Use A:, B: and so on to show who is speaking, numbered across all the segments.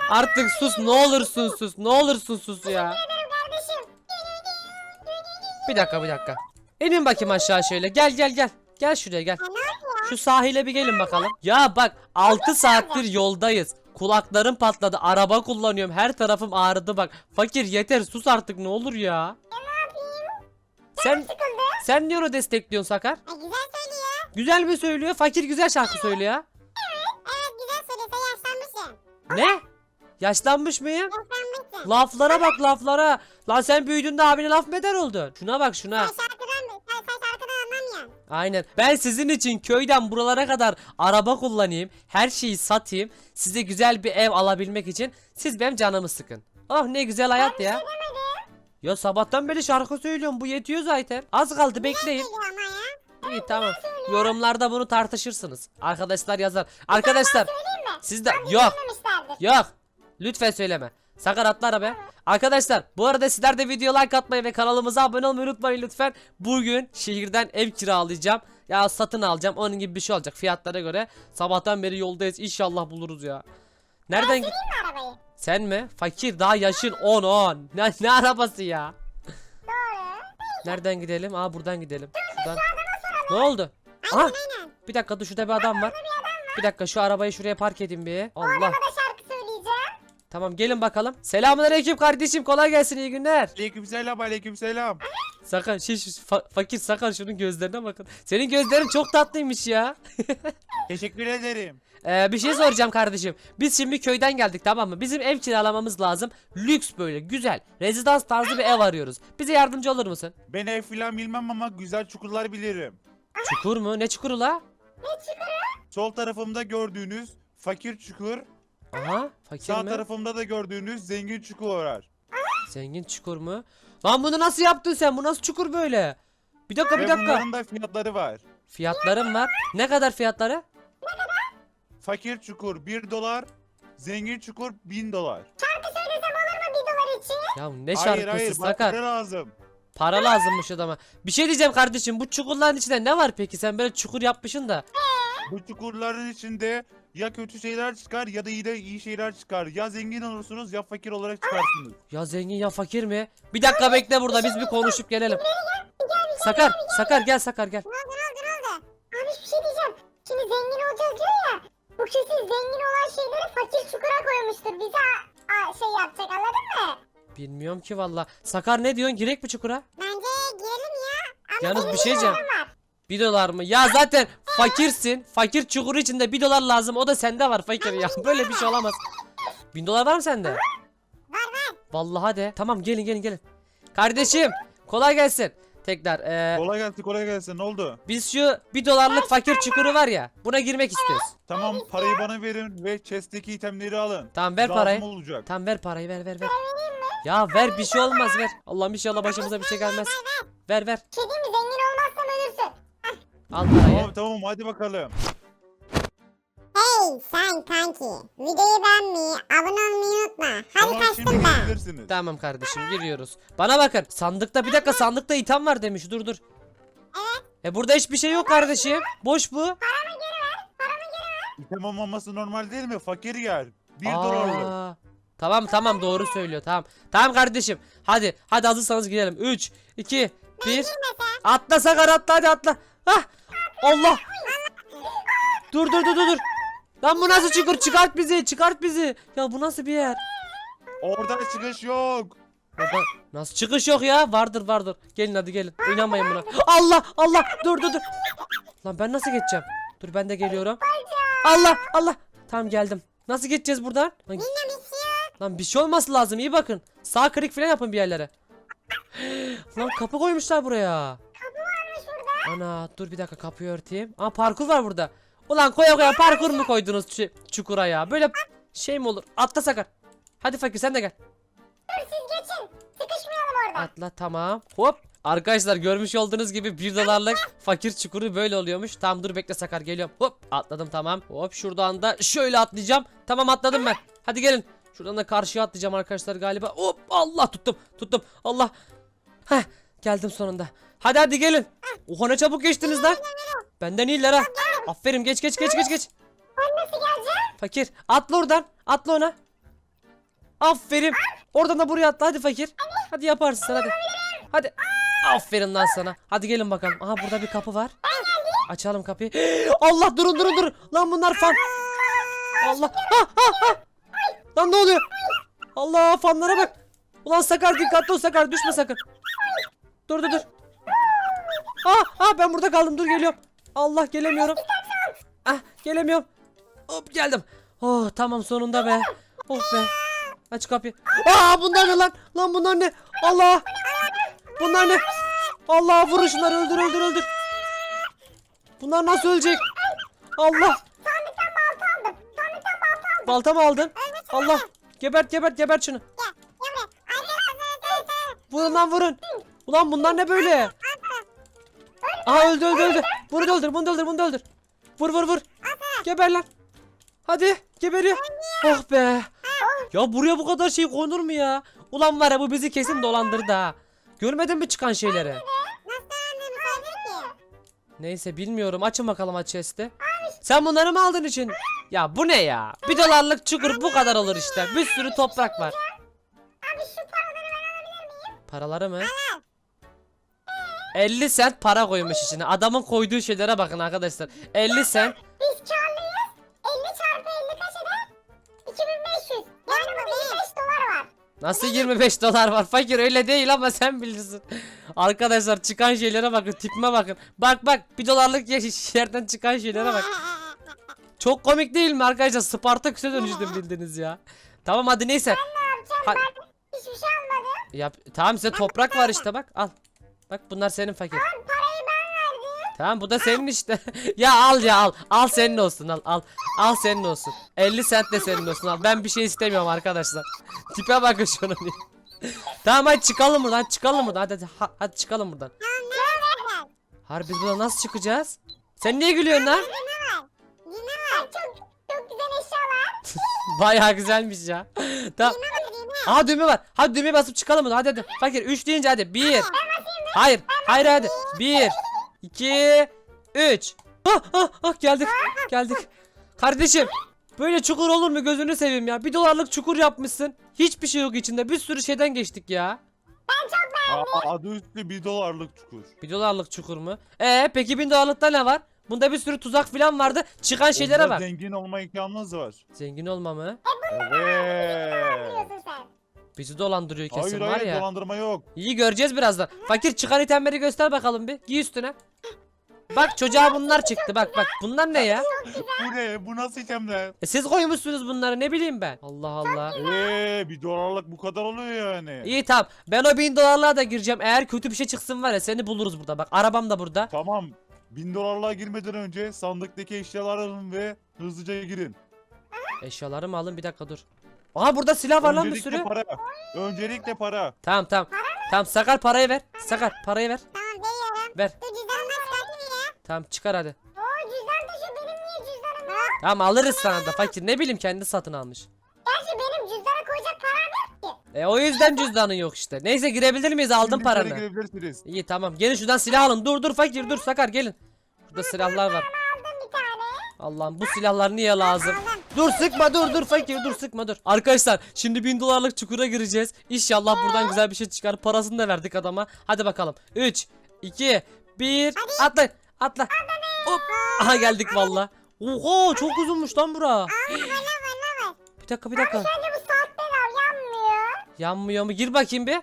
A: Artık sus, ne olursun sus. Ne olursun sus ya.
B: Kardeşim.
A: Bir dakika. İnin bakayım aşağı şöyle. Gel. Gel şuraya gel.
B: Ya ne oldu ya?
A: Şu sahile bir gelin bakalım. Ya bak 6 saattir yoldayız. Kulaklarım patladı. Araba kullanıyorum. Her tarafım ağrıdı bak. Fakir yeter sus artık ne olur ya.
B: Ne yapayım?
A: Sen
B: Sıkıldı.
A: sen niye onu destekliyorsun Sakar?
B: Güzel söylüyor.
A: Güzel mi söylüyor? Fakir güzel şarkı söylüyor.
B: Evet güzel söylüyor. Sen yaşlanmışsın.
A: Ne? Yaşlanmış mıyım?
B: Yaşlanmışsın.
A: Laflara bak laflara. Lan sen büyüdüğünde abine laf mı eder oldun? Şuna bak şuna.
B: Sen şarkıdan anlamıyorsun.
A: Aynen. Ben sizin için köyden buralara kadar araba kullanayım. Her şeyi satayım. Size güzel bir ev alabilmek için siz benim canımı sıkın. Oh ne güzel hayat ya. Ya sabahtan beri şarkı söylüyorum. Bu yetiyor zaten. Az kaldı bekleyin.
B: Söylüyor ama ya.
A: İyi tamam. Yorumlarda bunu tartışırsınız. Arkadaşlar yazar. Arkadaşlar
B: Söyleyeyim mi?
A: siz de yok.
B: Söylememişlerdir.
A: Yok. Lütfen söyleme. Sakar atla arabaya. Arkadaşlar bu arada sizler de video like atmayı ve kanalımıza abone olmayı unutmayın lütfen. Bugün şehirden ev kiralayacağım. Ya satın alacağım. Onun gibi bir şey olacak fiyatlara göre. Sabahtan beri yoldayız. İnşallah buluruz ya. Nereden
B: Süreyim mi arabayı?
A: Sen mi? Fakir daha yaşın 10. Ne arabası ya?
B: Doğru.
A: Nereden gidelim? Aa buradan gidelim. Şuradan. Ne oldu? Aha.
B: Aynen.
A: Bir dakika dur şurada bir adam var. Bir dakika şu arabayı şuraya park edeyim bir. Allah.
B: Arabada şarkı söyleyeceğim.
A: Tamam gelin bakalım. Selamünaleyküm kardeşim kolay gelsin iyi günler.
C: Aleykümselam.
A: Sakar fakir Sakar şunun gözlerine bakın. Senin gözlerin çok tatlıymış ya.
C: Teşekkür ederim.
A: Bir şey soracağım kardeşim. Biz şimdi köyden geldik tamam mı? Bizim ev kiralamamız lazım. Lüks böyle güzel. Rezidans tarzı bir ev arıyoruz. Bize yardımcı olur musun?
C: Ben ev filan bilmem ama güzel çukurlar bilirim.
A: Çukur mu? Ne çukuru la?
C: Sol tarafımda gördüğünüz fakir çukur,
A: Aha fakir
C: sağ
A: mi?
C: tarafımda da gördüğünüz zengin çukur var.
A: Zengin çukur mu? Lan bunu nasıl yaptın sen? Bu nasıl çukur böyle? Bir dakika
C: Ve
A: bir dakika.
C: bunların da fiyatları var.
A: Fiyatlarım var. Ne kadar fiyatları?
C: Fakir çukur 1 dolar, zengin çukur 1000 dolar.
B: Şarkı söylesem olur mu 1 dolar için?
A: Ya ne
C: Hayır
A: şarkısı
C: bana
A: Sakar?
C: para lazım.
A: Para lazımmış adama. Bir şey diyeceğim kardeşim. Bu çukurların içinde ne var peki? Sen böyle çukur yapmışsın da.
C: Bu çukurların içinde ya kötü şeyler çıkar ya da iyi şeyler çıkar. Ya zengin olursunuz ya fakir olarak çıkarsınız.
A: Ya zengin ya fakir mi? Bir dakika bekle burada biz bir konuşup gelelim. Sakar gel Sakar gel.
B: Ne oldu? Abi bir şey diyeceğim. Şimdi zengin olacağız diyor ya. Bu kesin zengin olan şeyleri fakir çukura koymuştur. Bize şey yapacak anladın mı?
A: Bilmiyorum ki valla. Sakar ne diyorsun? Girek mi çukura?
B: Bence girelim ya. Ama
A: Yalnız
B: benim
A: bir şey diyeceğim.
B: dolarım var.
A: 1 dolar mı? Ya zaten fakirsin. Fakir çukuru içinde 1 dolar lazım. O da sende var fakir ya. Böyle bir şey olamaz. 1000 dolar var mı sende?
B: Var.
A: Vallahi de. Tamam gelin. Kardeşim kolay gelsin. Tekrar
C: Kolay gelsin. Ne oldu?
A: biz şu 1 dolarlık fakir çukuru var ya. Buna girmek istiyoruz.
C: Tamam parayı bana verin ve chest'teki itemleri alın.
A: Tamam ver
C: Lazım
A: parayı.
C: olacak.
A: Tamam ver parayı ver. Ya ver bir şey olmaz ver. Allah'ım inşallah başımıza bir şey gelmez. Ver.
B: Bir şey diyeyim mi? Zengin olmazsam ölürsün.
A: Al parayı.
C: Tamam hadi bakalım.
B: Hey sen kanki. Videoyu beğenmeyi, abone olmayı unutma. Hadi
C: Tamam şimdi
B: kaçtım ben.
C: gidebilirsiniz.
A: Tamam kardeşim giriyoruz. Bana bakın. Sandıkta bir dakika sandıkta item var demiş. Dur. Burada hiçbir şey yok kardeşim. Boş bu.
C: İtem olmaması normal değil mi? Fakir yer. 1 dolarlık.
A: Aa, Tamam doğru söylüyor tamam. Tamam kardeşim. Hadi hazırsanız girelim. 3 2 1 Atla Sakar atla hadi atla. Hah. Allah. Dur. Lan bu nasıl çukur? Çıkart bizi. Ya bu nasıl bir yer?
C: Oradan çıkış yok.
A: Baba, nasıl çıkış yok ya? Vardır. Gelin hadi gelin. İnanmayın buna. Allah. Dur. Lan ben nasıl geçeceğim? Dur ben de geliyorum. Allah. Tamam geldim. Nasıl geçeceğiz buradan? Lan,
B: Bilmem istiyor.
A: lan bir şey olması lazım. İyi bakın. Sağ klik falan yapın bir yerlere. Lan kapı koymuşlar buraya.
B: Kapı varmış burada.
A: Ana dur bir dakika kapıyı örteyim. Aa parkur var burada. Ulan koya parkur mu koydunuz çukura ya? Böyle şey mi olur? Atla Sakar. Hadi fakir sen de gel.
B: Dur siz geçin. Sıkışmayalım orada.
A: Atla tamam. Hop. Arkadaşlar görmüş olduğunuz gibi 1 dolarlık fakir çukuru böyle oluyormuş. Tamam dur bekle Sakar geliyorum. Hop atladım tamam. Hop şuradan da şöyle atlayacağım. Tamam atladım ben. Hadi gelin. Şuradan da karşıya atlayacağım arkadaşlar galiba. Hop Allah tuttum. Allah. Heh geldim sonunda. Hadi gelin. Oha ne çabuk geçtiniz lan. Benden iyiler ha. Aferin geç.
B: Ben nasıl geleceğim?
A: Fakir atla oradan. Atla ona. Aferin. Oradan da buraya atla hadi fakir. Hadi yaparsın sen hadi. Hadi. Aferin lan sana. Hadi gelin bakalım. Aha burada bir kapı var. Açalım kapıyı. Allah durun. Lan bunlar fan. Allah. Ha. Lan ne oluyor? Allah fanlara bak. Ulan Sakar dikkatli ol Sakar düşme sakın. Dur. Ben burada kaldım dur geliyorum. Allah gelemiyorum. Gelemiyorum. Hop geldim. Oh tamam sonunda be. Oh be. Aç kapıyı. Bunlar ne lan? Lan bunlar ne? Allah. Bunlar ne? Allah vurun şunları öldür. Bunlar nasıl ölecek? Allah.
B: Sandıktan balta aldım.
A: Balta mı aldın? Allah. Gebert şunu. Vurun lan vurun. Ulan bunlar ne böyle? Aha öldü. Bunu da öldür. Vur. Geber lan. Hadi geberiyor. Oh be. Ya buraya bu kadar şey konur mu ya? Ulan var ya bu bizi kesin dolandırdı ha. Görmedin mi çıkan şeyleri? Neyse bilmiyorum. Açın bakalım aç chest'i. Sen bunları mı aldın için? Ya bu ne ya? $1 çukur bu kadar olur işte. Bir sürü toprak var.
B: Abi şu paraları ben alabilir miyim?
A: Paraları mı? 50 cent para koymuş içine. Adamın koyduğu şeylere bakın arkadaşlar. 50 cent.
B: Biz karlıyız. 50 çarpı 50 kaç eder? 2500. Yani burada 25 dolar var.
A: Nasıl $25 var? Fakir öyle değil ama sen bilirsin. Arkadaşlar çıkan şeylere bakın. Tipime bakın. Bak $1 yerden çıkan şeylere bak. Çok komik değil mi arkadaşlar? Spartaküs'e dönüştüm bildiniz ya. Tamam hadi neyse.
B: Ne yapacağım ben? Hiçbir şey almadım.
A: Tamam size toprak var işte bak al. Bak bunlar senin fakir.
B: Parayı ben verdim.
A: Tamam bu da senin işte. al. Al senin olsun al. Al senin olsun. 50 cent de senin olsun al. Ben bir şey istemiyorum arkadaşlar. Tipe bakın şunun. Tamam hadi çıkalım buradan. Hadi çıkalım buradan. Harbi biz buradan nasıl çıkacağız? Sen niye gülüyorsun lan?
B: Yine var. Çok güzel eşyalar.
A: Bayağı güzelmiş ya. Tamam. Aha düğme var. Hadi düğmeye basıp çıkalım buradan. Hadi. Fakir 3 deyince hadi. 1. Hayır hadi. 1 2 3. Geldik. Kardeşim böyle çukur olur mu gözünü seveyim ya. $1 çukur yapmışsın. Hiçbir şey yok içinde. Bir sürü şeyden geçtik ya.
C: Adı üstü $1 çukur.
A: $1 çukur mu? Peki $1000'lıkta ne var? Bunda bir sürü tuzak falan vardı. Çıkan şeylere
C: Onda
A: bak.
C: zengin olma imkanınız var.
A: Zengin olma mı?
C: Evet.
B: Biliyorsun sen.
A: Bizi dolandırıyor kesin var
C: Hayır
A: ya.
C: dolandırma yok.
A: İyi göreceğiz birazdan. Fakir çıkan itemleri göster bakalım bir. Giy üstüne. Bak çocuğa bunlar çıktı. Bak bunlar ne ya?
C: Bu ne? Bu nasıl itemler?
A: Siz koymuşsunuz bunları ne bileyim ben. Allah Allah.
C: $1 bu kadar oluyor yani.
A: İyi tamam. Ben o $1000'lığa da gireceğim. Eğer kötü bir şey çıksın var ya seni buluruz burada. Bak arabam da burada.
C: Tamam. $1000'lığa girmeden önce sandıktaki eşyaları alın ve hızlıca girin.
A: Eşyalarımı alın bir dakika dur. Aha burada silah var lan bir
C: Öncelikle
A: sürü.
C: para. Öncelikle para.
A: Tamam. Tamam Sakar parayı ver. Sakar parayı ver.
B: Tamam veriyorum.
A: Ver.
B: Dur cüzdanımı çıkartayım ya.
A: Tamam çıkar hadi.
B: Oo cüzdan da şu benim niye cüzdanım yok?
A: Tamam alırız sana da fakir. Ne bileyim kendi satın almış.
B: Gerçi benim cüzdana koyacak param yok ki.
A: O yüzden cüzdanın yok işte. Neyse girebilir miyiz? Aldım
C: Şimdi içeri
A: paranı.
C: girebilirsiniz.
A: İyi tamam. Gelin şuradan silah alın. Dur fakir dur Sakar gelin. Burada silahlar var.
B: Aldım bir tane.
A: Allah'ım bu silahlar niye lazım?
B: Aldım.
A: Dur sıkma dur fakir dur sıkma dur. Arkadaşlar şimdi $1000'lık çukura gireceğiz. İnşallah buradan güzel bir şey çıkar. Parasını da verdik adama. Hadi bakalım. 3 2 1 atla. Hop. Aha geldik valla. Oha çok uzunmuş lan bura. Bir dakika.
B: Bence bu saatte yanmıyor.
A: Yanmıyor mu? Gir bakayım bir.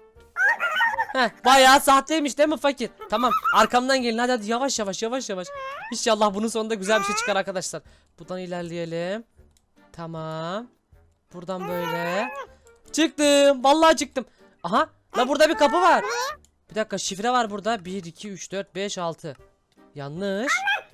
A: Bayağı sahteymiş değil mi fakir? Tamam arkamdan gelin hadi yavaş. İnşallah bunun sonunda güzel bir şey çıkar arkadaşlar. Buradan ilerleyelim. Tamam. Buradan böyle. Çıktım. Vallahi çıktım. Aha. La burada bir kapı var. Bir dakika şifre var burada. 1 2 3 4 5 6. Yanlış.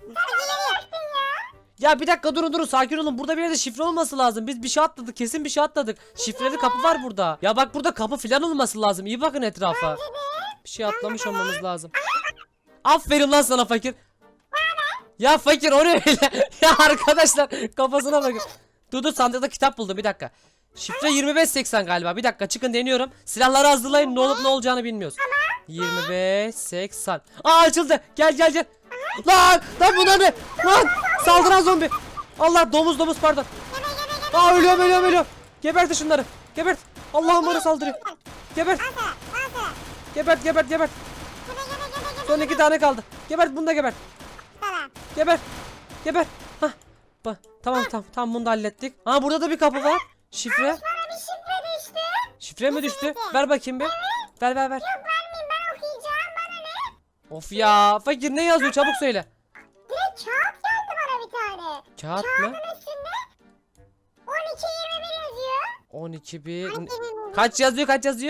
A: Ya bir dakika durun sakin olun. Burada bir yerde şifre olması lazım. Biz bir şey atladık. Kesin bir şey atladık. Şifreli kapı var burada. Ya bak burada kapı falan olması lazım. İyi bakın etrafa. Bir şey atlamış olmamız lazım. Aferin lan sana fakir. Ya fakir o ne öyle? Ya arkadaşlar kafasına bakın. Dur sandıkta kitap buldum bir dakika. Şifre 2580 galiba. Bir dakika çıkın deniyorum. Silahları hazırlayın. Ne olup ne olacağını bilmiyoruz. 2580. Açıldı. Gel. Lan bunlar ne? Lan saldıran zombi. Allah domuz pardon. Ölüyorum. Gebertin şunları. Gebert. Allah'ım bana saldırıyor. Gebert.
B: Al sana. Al sana.
A: Gebert.
B: Gebe gebe gebe.
A: Son 2 tane kaldı. Gebert, bunu da gebert.
B: Sana.
A: Geber. Hah. Tamam bunu da hallettik. Aa, burada da bir kapı var. Şifre.
B: Bana bir şifre düştü.
A: Şifre mi düştü? Ver bakayım bir. Ver.
B: Yok vermeyeyim, ben okuyacağım. Bana ne?
A: Of ya. Fakir ne yazıyor? Çabuk söyle.
B: Direkt kağıt geldi bana bir tane.
A: Kağıt mı?
B: Kağıdın üstünde 12-21 yazıyor.
A: 12 bir.
B: Hangi bir?
A: Kaç yazıyor?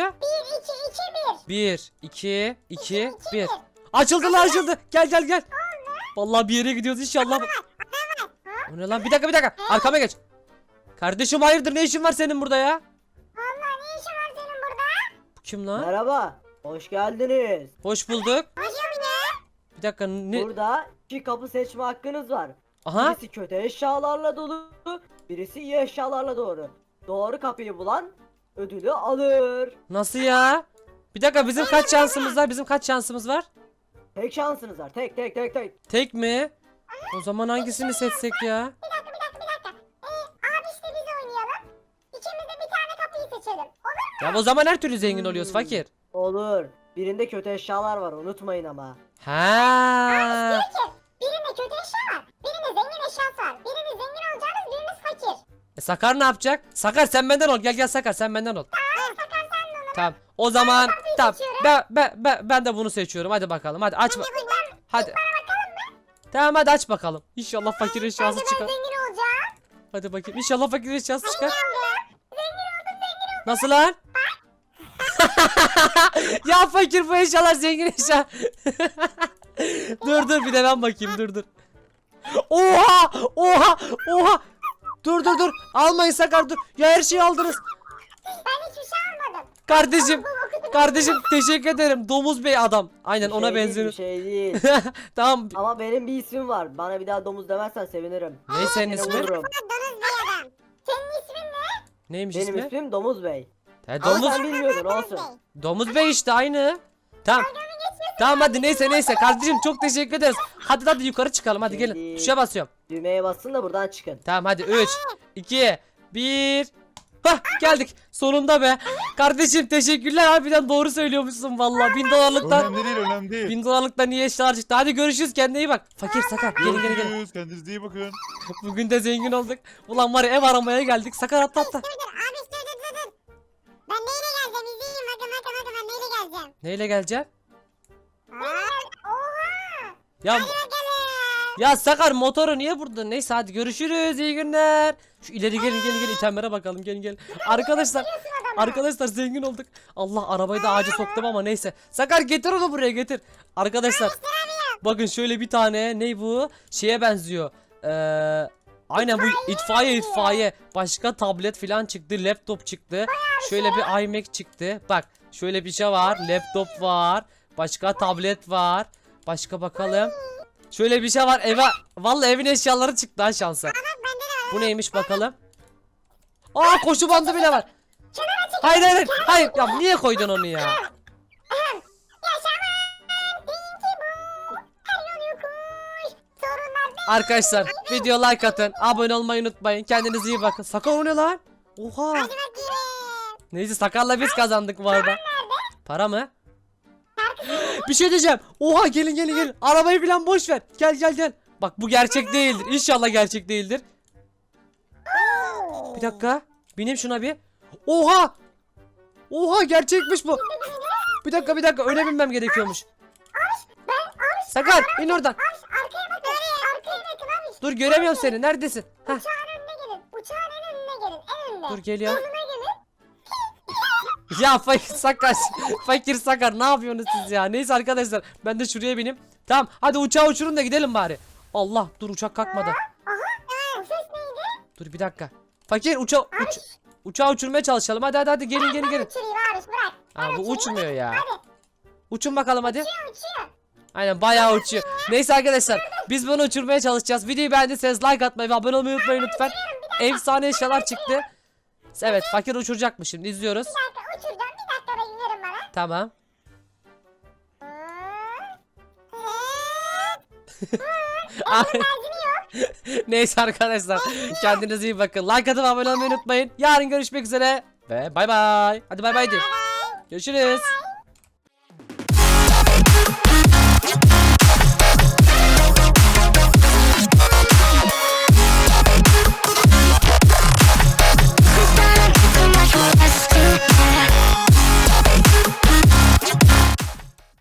B: 1, 2, 2, 1.
A: 1 2 1. Açıldı lan, açıldı. Gel. Vallahi bir yere gidiyoruz inşallah. O ne lan? Bir dakika. Arkama geç. Kardeşim hayırdır, ne işin var senin burada ya?
B: Valla ne işin var senin burada?
A: Bu kim lan?
D: Merhaba, hoş geldiniz.
A: Hoş bulduk.
B: Hocam ne?
A: Bir dakika ne?
D: Burada 2 kapı seçme hakkınız var.
A: Aha.
D: Birisi kötü eşyalarla dolu, birisi iyi eşyalarla doğru kapıyı bulan ödülü alır.
A: Nasıl ya? Bir dakika, bizim kaç şansımız var?
D: Tek şansınız var, tek.
A: Tek mi? O zaman hangisini seçsek ya?
B: Bir dakika. Abi işte biz oynayalım. İkimiz de bir tane kapıyı seçelim. Olur mu?
A: Ya o zaman her türlü zengin oluyoruz fakir.
D: Olur. Birinde kötü eşyalar var, unutmayın ama.
A: Ha.
B: Diyor ki birinde kötü eşya var. Birinde zengin eşyası var. Biriniz zengin olacağınız, biriniz fakir.
A: Sakar ne yapacak? Sakar sen benden ol. Gel Sakar, sen benden ol.
B: Sakar sen de onu.
A: Tamam. O zaman tamam.
B: seçiyorum.
A: Ben de bunu seçiyorum. Hadi bakalım. Hadi açma.
B: Buradan
A: Hadi. Tamam hadi aç bakalım. İnşallah fakir eşyası
B: ben
A: çıkar.
B: zengin olacağım.
A: Hadi bakayım. İnşallah fakir eşyası çıkar.
B: Zengin oldum.
A: Nasıl lan? Ya fakir, bu eşyalar zengin eşya. dur bir de ben bakayım, dur. Oha. Dur. Almayın Sakar, dur. Ya her şeyi aldınız.
B: Ben hiçbir şey almadım.
A: Kardeşim teşekkür ederim. Domuz bey adam. Aynen
D: Bir
A: ona
D: şey değil,
A: benziyor.
D: bir şey değil.
A: Tamam.
D: Ama benim bir ismim var. Bana bir daha domuz demezsen sevinirim.
A: Ne senin
D: Seni
A: ismin?
D: vururum.
B: Donuz bir adam. Senin ismin ne?
A: Neymiş
D: Benim
A: ismi?
D: ismim Domuz Bey.
A: He,
D: Ama
A: domuz.
D: sen bilmiyordun, olsun.
A: Domuz bey işte aynı. Tamam. Tamam hadi neyse kardeşim çok teşekkür ederiz. Hadi yukarı çıkalım, hadi gelin.
D: Şimdi-
A: Tuşa basıyorum.
D: Düğmeye basın da buradan çıkın.
A: Tamam hadi 3 2 1. Hah, geldik sonunda be. Kardeşim teşekkürler, harbiden doğru söylüyormuşsun vallahi. $1000'lıktan
C: Önemli değil.
A: $1000'lıktan iyi eşyalar çıktı. Hadi görüşürüz, kendine iyi bak. Fakir Sakar gelin.
C: Görüşürüz. Kendinize iyi bakın.
A: Bugün de zengin olduk. Ulan var ya, ev aramaya geldik. Sakar atla.
B: Dur. Abi dur. Ben neyle geleceğim? İzleyin bakın ben neyle geleceğim?
A: Neyle geleceksin?
B: Oha.
A: Ya
B: Gelin.
A: ya Sakar, motoru niye burada? Neyse hadi görüşürüz, iyi günler. Şu ileri gelin itemlere bakalım, gelin. Arkadaşlar zengin olduk. Allah, arabayı da ağaca soktum ama neyse. Sakar getir onu buraya, getir. Arkadaşlar bakın şöyle bir tane, ne bu? Şeye benziyor. Aynen bu itfaiye. Başka tablet falan çıktı, laptop çıktı. Şöyle bir iMac çıktı. Bak şöyle bir şey var, laptop var. Başka tablet var. Başka bakalım. Şöyle bir şey var eve. Vallahi evin eşyaları çıktı ha, şansa. Bu neymiş bakalım. Aa, koşu bandı bile var. Hayır. Ya niye koydun onu ya? Arkadaşlar video like atın, abone olmayı unutmayın. Kendinize iyi bakın. Sakar o ne lan? Oha. Neyse Sakar'la biz kazandık bu arada. Para mı? Bir şey diyeceğim. Oha, gelin. Arabayı falan boş ver. Gel. Bak bu gerçek değildir. İnşallah gerçek değildir. Bir dakika. Bineyim şuna bir. Oha gerçekmiş bu. Bir dakika öyle binmem gerekiyormuş. Sakar in oradan.
B: Arkaya bakın abi.
A: Dur göremiyorum seni. Neredesin? Heh,
B: Uçağın önüne gelin. Uçağın en önüne gelin. En önüne.
A: dur geliyorum.
B: Önüne gelin.
A: Ya fakir Sakar ne yapıyorsunuz siz ya? Neyse arkadaşlar ben de şuraya bineyim. Tamam hadi uçağı uçurun da gidelim bari. Allah, dur uçak kalkmadı.
B: Aha. O ses neydi?
A: Dur bir dakika. Fakir uçağı uçurmaya çalışalım. Hadi gelin.
B: Uçurayım abi bırak.
A: Ha, bu uçmuyor ya.
B: Hadi.
A: Uçun bakalım hadi.
B: Uçuyor.
A: Aynen bayağı uçuyor. Neyse arkadaşlar biz bunu uçurmaya çalışacağız. Videoyu beğendiyseniz like atmayı ve abone olmayı unutmayın lütfen. Efsane eşyalar çıktı. Evet fakir uçuracakmış, şimdi izliyoruz.
B: Bir dakika uçuracağım. Bir dakika beklerim bana.
A: Tamam. Neyse arkadaşlar kendinize iyi bakın. Like atıp abone olmayı unutmayın. Yarın görüşmek üzere Ve bay bay. Hadi bay bay de. Görüşürüz.